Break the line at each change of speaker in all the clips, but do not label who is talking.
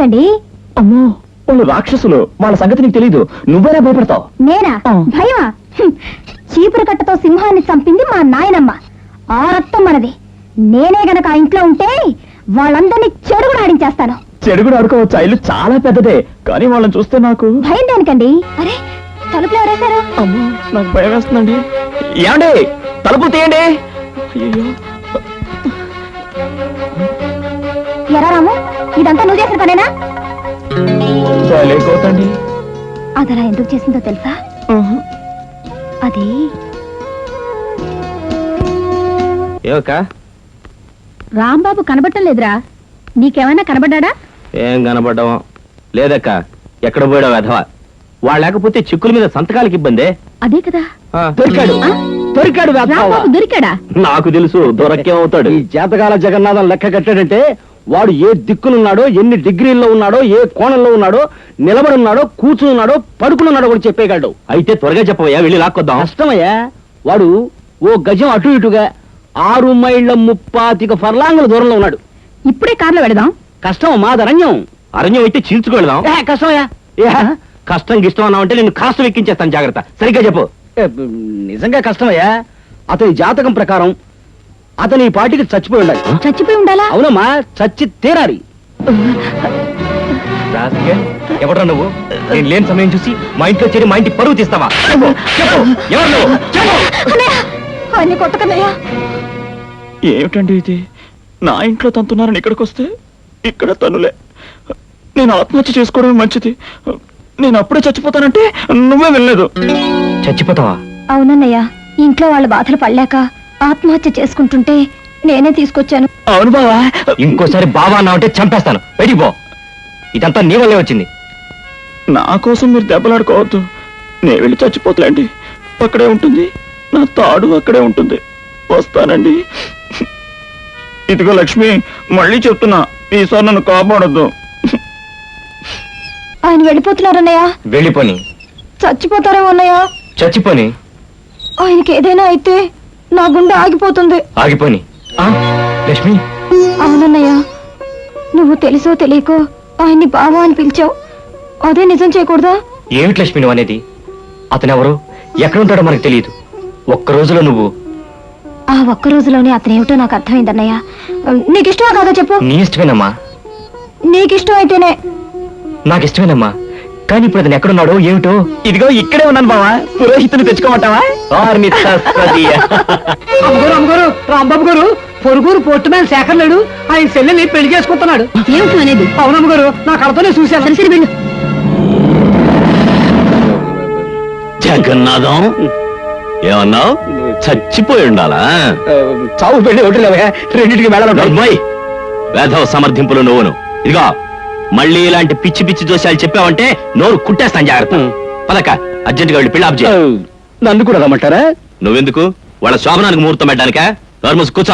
ఎందుకండి?
అమ్మో, వాళ్ళు రాక్షసులు, వాళ్ళ సంగతి నీకు తెలీదు. నువ్వేనా భయపడతావు?
నేనా? భయమా? చీపురు కట్టతో సింహాన్ని చంపింది మా నాయనమ్మ. ఆ రక్తం మనది. నేనే గనక ఆ ఇంట్లో ఉంటే వాళ్ళందరినీ చెడుగుడు ఆడించేస్తాను.
చెడుగుడు ఆడుకోవచ్చు, ఇల్లు చాలా పెద్దదే, కానీ వాళ్ళని చూస్తే నాకు
భయం దేనికండి? అరే, తలుపులు ఎవరేశారు?
అమ్మో, నాకు భయం వేస్తుందండి. ఏమండి, తలుపులు తీయండి. అయ్యో,
ఎరా రాము, ఇదంతా నువ్వు చేసిన పనేనా?
లేకోతండి.
అదలా ఎందుకు చేసిందో తెలుసా? అది రాంబాబు కనబడటం లేదురా. నీకేమైనా కనబడ్డా?
ఏం కనబడ్డావా? లేదక్క, ఎక్కడ పోయాడో వెధవా. వాళ్ళు లేకపోతే చిక్కుల మీద సంతకాలకి ఇబ్బందే.
అదే కదా.
దొరికాడు, దొరికాడు.
రాంబాబు దొరికాడా?
నాకు తెలుసు, దొరకేమవుతాడు.
ఈ జాతకాల జగన్నాథం లెక్క కట్టాడంటే వాడు ఏ దిక్కునున్నాడో, ఎన్ని డిగ్రీల్లో ఉన్నాడో, ఏ కోణంలో ఉన్నాడో, నిలబడి ఉన్నాడో, కూర్చున్నాడో, పడుకున్నాడో కూడా చెప్పేయగలడు.
అయితే త్వరగా చెప్పవయ్యా, వెళ్ళి లాక్కొద్దాం.
కష్టమయ్యా. వాడు ఓ గజం అటు ఇటుగా 6 మైళ్ళ 35 ఫర్లాంగుల దూరంలో ఉన్నాడు.
ఇప్పుడే కార్లో వెళదాం.
కష్టం మాది అరణ్యం.
అరణ్యం అయితే చీల్చుకెళ్దాం.
కష్టమయ్యా.
కష్టం గిష్టం అన్నావంటే నేను కాస్త ఎక్కించేస్తాను. జాగ్రత్త, సరిగ్గా చెప్పు.
నిజంగా కష్టమయ్యా. అతని జాతకం ప్రకారం అతని ఈ పాటికి చచ్చిపోయి ఉండాలి.
చచ్చిపోయి ఉండాలా?
అవునమ్మా, చచ్చి తీరాలి.
ఎవడ్రా నువ్వు? నేను లేని సమయం చూసి మా ఇంట్లో చేరి మా ఇంటి పరువు తీస్తావా? ఎవరు నువ్వు?
అన్ని కొట్టకన్నయ్యా.
ఏమిటండి ఇది? నా ఇంట్లో తంతున్నారని ఇక్కడికి వస్తే ఇక్కడ తనులే. నేను ఆత్మహత్య చేసుకోవడమే మంచిది. నేను అప్పుడే చచ్చిపోతానంటే నువ్వే వెళ్ళలేదు.
చచ్చిపోతావా?
అవునన్నయ్య, ఇంట్లో వాళ్ళ బాధలు పడలేక ఆత్మహత్య చేసుకుంటుంటే నేనే తీసుకొచ్చాను.
అవును బావా.
ఇంకోసారి బావా అన్నావంటే చంపేస్తాను. బయటికి పో. ఇదంతా నీ వల్లే వచ్చింది.
నా కోసం మీరు దెబ్బలాడుకోవద్దు. నేను వెళ్ళి చచ్చిపోతలేండి. అక్కడే ఉంటుంది, నా తాడు అక్కడే ఉంటుంది. వస్తానండి. ఇదిగో లక్ష్మి, మళ్ళీ చెప్తున్నా, ఈసారి నన్ను కాపాడొద్దు.
ఆయన వెళ్ళిపోతున్నారన్నయ్య.
వెళ్ళిపోని.
చచ్చిపోతారేమో అన్నయ్య.
చచ్చిపోని.
ఆయనకి ఏదైనా అయితే నా గుండె ఆగిపోతుంది.
ఆగిపోని. లక్ష్మి.
అవునన్నయ్య, నువ్వు తెలుసో తెలియకో ఆయన్ని బావా అని పిలిచావు. అదే నిజం చేయకూడదా?
ఏమిటి లక్ష్మి నువ్వు అనేది? అతనెవరో, ఎక్కడుంటాడో మనకు తెలియదు. ఒక్క రోజులో నువ్వు
ఆ ఒక్క రోజులోనే అతనేమిటో నాకు అర్థమైందన్నయ్య. నీకిష్టమా కాదా చెప్పు?
నీ ఇష్టమేనమ్మా.
నీకిష్టం అయితేనే.
నాకు ఇష్టమేనమ్మా, కానీ ఇప్పుడు అతను ఎక్కడున్నాడో ఏమిటో.
ఇదిగో ఇక్కడే ఉన్నాను బావా. పురోహితుని తెచ్చుకోమంటావా?
అమ్మగారు, రాంబాబు గారు, పొరుగురు పోర్టు మ్యాన్ శేఖర్ లేడు, ఆయన చెల్లెల్ని పెళ్లి చేసుకుంటున్నాడు.
ఏమిటి అనేది?
అవునమ్మ గారు, నా కడతోనే చూశాను.
సరే వెళ్ళు.
జగన్నాథం, ఏమన్నావు? చచ్చిపోయి ఉండాలా?
చావు పెళ్లి ఒకటి లేవా, రెండింటికి
వెళ్ళాలి. వేధవ సమర్థింపులు నువ్వును. ఇదిగో, మళ్ళీ ఇలాంటి పిచ్చి పిచ్చి దోషాలు చెప్పావంటే నోరు కుట్టేస్తాను. జాగ్రత్త. పదక, అర్జెంటుగా వెళ్ళి పెళ్లి ఆప్ చేయి.
నన్ను కూడా రమ్మంటారా?
నువ్వెందుకు? వాళ్ళ శోభనానికి ముహూర్తం పెట్టడానికా? నోర్మూసి కూర్చో.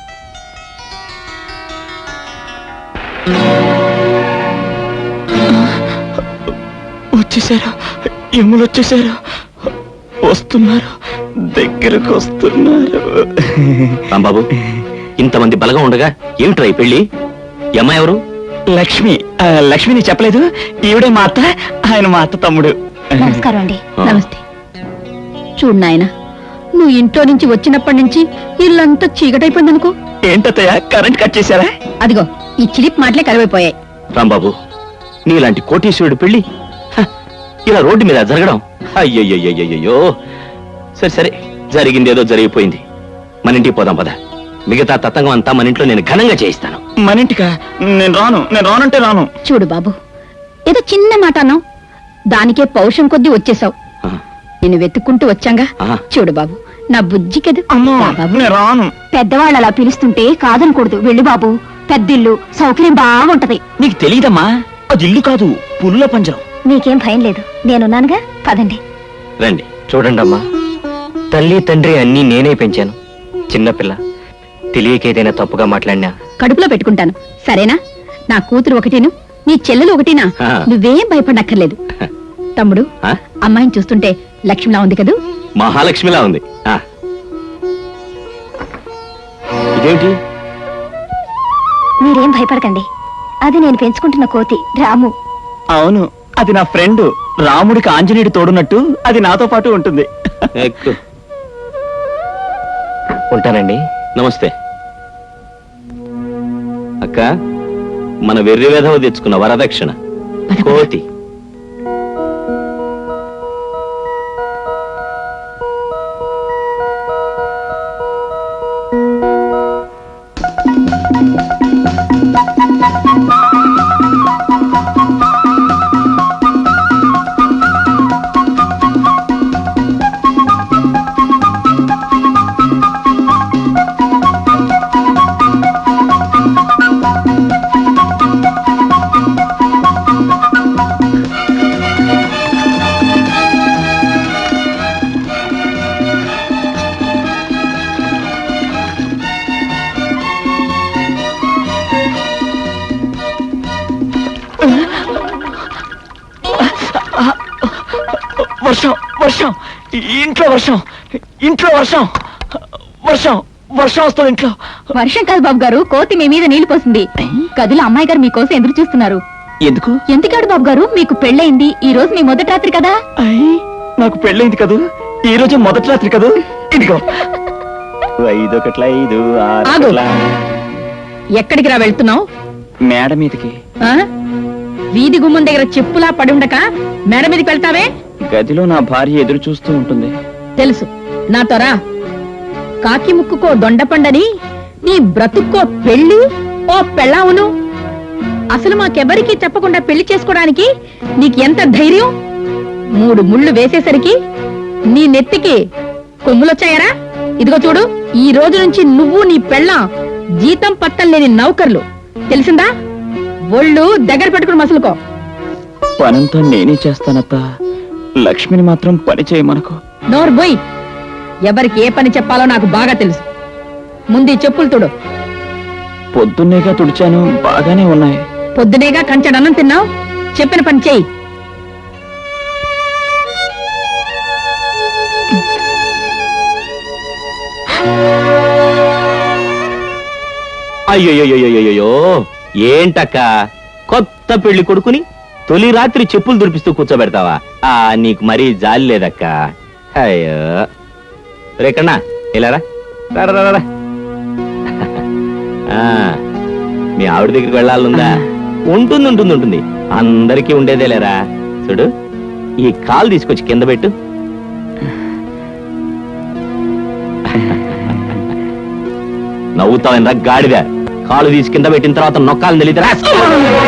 వచ్చేసారు, ఎమ్ములు వచ్చేసారు. వస్తున్నారు, దగ్గరకు వస్తున్నారు.
రాంబాబు, ఇంతమంది బలగా ఉండగా ఏమిట్రా ఈ పెళ్లి? ఈ అమ్మాయి ఎవరు?
లక్ష్మి. లక్ష్మిని చెప్పలేదు. ఈవిడే మా అత్త, ఆయన మా అత్త తమ్ముడు.
నమస్కారం అండి.
నమస్తే. చూడు నాయన, నువ్వు ఇంట్లో నుంచి వచ్చినప్పటి నుంచి ఇల్లంతా చీకటైపోయింది అనుకో.
ఏంటత్తయ్య, కరెంట్ కట్ చేశారా?
అదిగో ఈ చిలిప్ మాటలే కరివైపోయాయి.
రాంబాబు, నీలాంటి కోటీశ్వరుడు పెళ్లి ఇలా రోడ్డు మీద జరగడం, అయ్యయ్యో. సరే సరే, జరిగిందేదో జరిగిపోయింది. మన ఇంటికి పోదాం పద. మిగతా తతంగం అంతా మన ఇంట్లో నేను ఘనంగా చేయిస్తాను.
మన ఇంటికా? నేను రానంటే రాను.
చూడు బాబు, ఏదో చిన్న మాట అన్నావు, దానికే పౌరుషం కొద్దీ వచ్చేసావు. నేను వెతుక్కుంటూ వచ్చాంగా. చూడు బాబు, నా బుజ్జి కదూ.
నేను రాను.
పెద్దవాళ్ళు అలా పిలుస్తుంటే కాదనకూడదు. వెళ్ళు బాబు, పెద్దిల్లు, సౌకర్యం బాగుంటది.
నీకు తెలీదమ్మా, అది ఇల్లు కాదు, పుల్ల పంజరం.
మీకేం భయం లేదు, నేనున్నానుగా. పదండి.
రండి. చూడండి అమ్మా, తల్లి తండ్రి అన్నీ నేనే పెంచాను. చిన్నపిల్ల తెలియకేదైనా తప్పుగా మాట్లాడినా
కడుపులో పెట్టుకుంటాను, సరేనా? నా కూతురు ఒకటేను, నీ చెల్లెలు ఒకటేనా? నువ్వేం భయపడక్కర్లేదు. తమ్ముడు, అమ్మాయిని చూస్తుంటే లక్ష్మిలా ఉంది కదూ?
మహాలక్ష్మిలా ఉంది. ఇదేంటి?
మీరేం భయపడకండి. అది నేను పెంచుకుంటున్న కోతి రాము.
అవును, అది నా ఫ్రెండ్. రాముడికి ఆంజనేయుడు తోడున్నట్టు అది నాతో పాటు ఉంటుంది.
ఎక్కు.
ఉంటానండి.
నమస్తే అక్క. మన వెర్రి వేధవ తెచ్చుకున్న వరదక్షిణ కోతి.
వర్షం వర్షం ఇంట్లో వర్షం ఇంట్లో వర్షం వర్షం వర్షం వస్తుంది ఇంట్లో.
వర్షం కాదు బాబు గారు, కోతి మీ మీద నీళ్లు పోసింది. గదిలో అమ్మాయి గారు మీకోసం ఎదురు చూస్తున్నారు.
ఎందుకు?
ఎందుకాడు బాబు గారు, మీకు పెళ్ళయింది. ఈ రోజు మీ మొదటి రాత్రి కదా.
అయ్యి, నాకు పెళ్ళైంది కదూ. ఈ రోజు మొదటి రాత్రి కదూ. ఇదిగో 5 1 5
ఆగు.
6
ఎక్కడికి రా వెళ్తున్నావు?
మేడ మీదకి.
వీధి గుమ్మం దగ్గర చెప్పులా పడి ఉండక మేడ మీదకి వెళ్తావే?
గదిలో నా భార్య ఎదురు చూస్తూ ఉంటుంది.
తెలుసు, నాతో రా. కాకి ముక్కుకో దొండపండని నీ బ్రతుక్కో పెళ్లి ఓ పెళ్ళావును. అసలు మాకెవరికి చెప్పకుండా పెళ్లి చేసుకోవడానికి నీకు ఎంత ధైర్యం? 3 ముళ్ళు వేసేసరికి నీ నెత్తికి కొమ్ములొచ్చాయరా? ఇదిగో చూడు, ఈ రోజు నుంచి నువ్వు నీ పెళ్ళాం జీతం పట్టం లేని నౌకర్లు, తెలిసిందా? ఒళ్ళు దగ్గర పెట్టుకుని మసులుకో.
పనంతా నేనే చేస్తానత్తా. లక్ష్మిని మాత్రం పని చేయమనకు.
నోరు బోయ్. ఎవరికి ఏ పని చెప్పాలో నాకు బాగా తెలుసు. ముందు ఈ చెప్పులు తుడు.
పొద్దున్నేగా తుడిచాను, బాగానే ఉన్నాయి.
పొద్దునేగా కంచెడన్నం తిన్నావు. చెప్పిన పని చెయ్యి.
అయ్యోయ్యోయ్యోయ్యో, ఏంటక్క కొత్త పెళ్లి కొడుకుని తొలి రాత్రి చెప్పులు దురిపిస్తూ కూర్చోబెడతావా? నీకు మరీ జాలి లేదక్క. అయ్యో రేకన్నా ఇలారా. మీ ఆవిడ దగ్గరికి వెళ్ళాలనుందా? ఉంటుంది ఉంటుంది ఉంటుంది, అందరికీ ఉండేదే లేరా. చూడు, ఈ కాలు తీసుకొచ్చి కింద పెట్టు. నవ్వుతావైనా గాడిద. కాలు తీసి కింద పెట్టిన తర్వాత నొక్కాలని తెలియదురా.